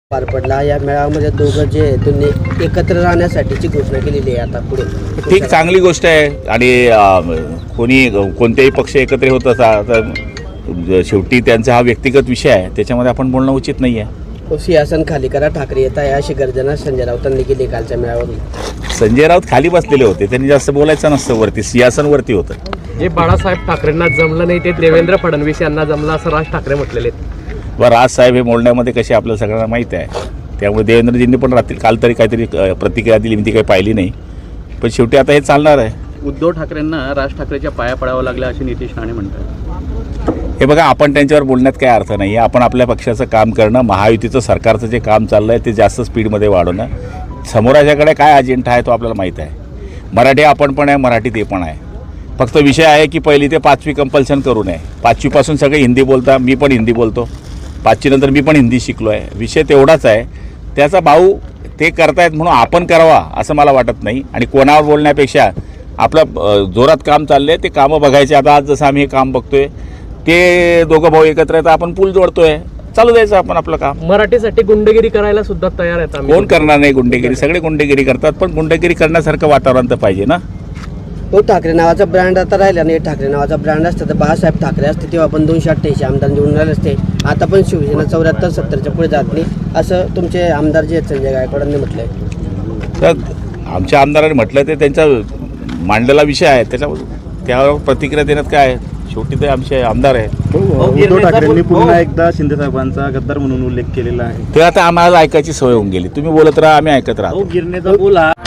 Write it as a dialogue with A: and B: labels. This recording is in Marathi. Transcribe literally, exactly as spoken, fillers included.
A: पार पडला या मेळाव्यामध्ये दोघं जे आहेत त्यांनी एकत्र राहण्यासाठीची घोषणा केलेली आहे. आता पुढे
B: ठीक, चांगली गोष्ट आहे. आणि अ, कोणी कोणत्याही पक्ष एकत्र होत असा तर शेवटी त्यांचा हा व्यक्तिगत विषय आहे, त्याच्यामध्ये आपण बोलणं उचित नाही आहे.
A: सिंहासन खाली करा, ठाकरे येत आहे अशी गर्जना संजय राऊतांनी केली कालच्या मेळाव्यात.
B: संजय राऊत खाली बसलेले होते, त्यांनी जास्त बोलायचं नसतं, वरती सिंहासनवरती होतं.
C: जे बाळासाहेब ठाकरेंना जमलं नाही ते देवेंद्र फडणवीस यांना जमलं असं राज ठाकरे म्हटलेले आहेत.
B: व राजसाहेब हे बोलण्यामध्ये कसे आपल्याला सगळ्यांना माहीत आहे, त्यामुळे देवेंद्रजींनी पण रात्री काल तरी काहीतरी अ, प्रतिक्रिया दिली, मी ती काही पाहिली नाही. पण शेवटी आता हे चालणार आहे.
D: उद्धव ठाकरेंना राज ठाकरेच्या पाया पडावं लागलं असे नितीश राणे म्हणतात.
B: हे बघा, आपण त्यांच्यावर बोलण्यात काय अर्थ नाही आहे. आपण आपल्या पक्षाचं काम करणं, महायुतीचं सरकारचं जे काम चाललं आहे ते जास्त स्पीडमध्ये वाढवणं. समोराच्याकडे काय अजेंडा आहे तो आपल्याला माहीत आहे. मराठी आपण पण आहे, मराठी ते पण आहे. फक्त विषय आहे की पहिली ते पाचवी कंपल्शन करू नये. पाचवीपासून सगळे हिंदी बोलता, मी पण हिंदी बोलतो. पाचवीनंतर मी पण हिंदी शिकलो आहे. विषय तेवढाच आहे. त्याचा भाऊ ते करतायत म्हणून आपण करावा असं मला वाटत नाही. आणि कोणावर बोलण्यापेक्षा आपलं जोरात काम चाललं आहे ते कामं बघायचे. आता आज जसं आम्ही हे काम बघतोय ते दोघं भाऊ एकत्र आहेत, आपण पूल जोडतोय, चालू द्यायचं आपण आपलं काम.
C: मराठीसाठी गुंडगिरी करायला सुद्धा तयार आहेत आम्ही.
B: कोण करणार नाही गुंडेगिरी? सगळे गुंडेगिरी करतात, पण गुंडेगिरी करण्यासारखं वातावरण तर पाहिजे ना.
A: तो ठाकरे नावाचा ब्रँड आता राहिला नाही. ठाकरे नावाचा ब्रँड असतं तर बाळासाहेब ठाकरे असते तेव्हा पण दोनशे अठ्ठ्याऐंशी आमदार निवडून राहिले असते. आता पण शिवसेना चौऱ्याहत्तर सत्तरच्या पुढे जात नाही असं तुमचे आमदार जे आहेत संजय गायकवाडांनी म्हटलंय.
B: तर आमच्या आमदारांनी म्हटलं ते त्यांचा मांडलेला विषय आहे, त्याच्या त्यावर प्रतिक्रिया देण्यात काय आहे? शेवटी ते आमचे आमदार आहेत.
E: उद्धव ठाकरेंनी पुन्हा एकदा शिंदे साहेबांचा गद्दार म्हणून उल्लेख केलेला आहे.
B: ते आता आम्हाला ऐकायची सवय होऊन गेली. तुम्ही बोलत राहा, आम्ही ऐकत राहतो.
E: गिरणेचा पूल हा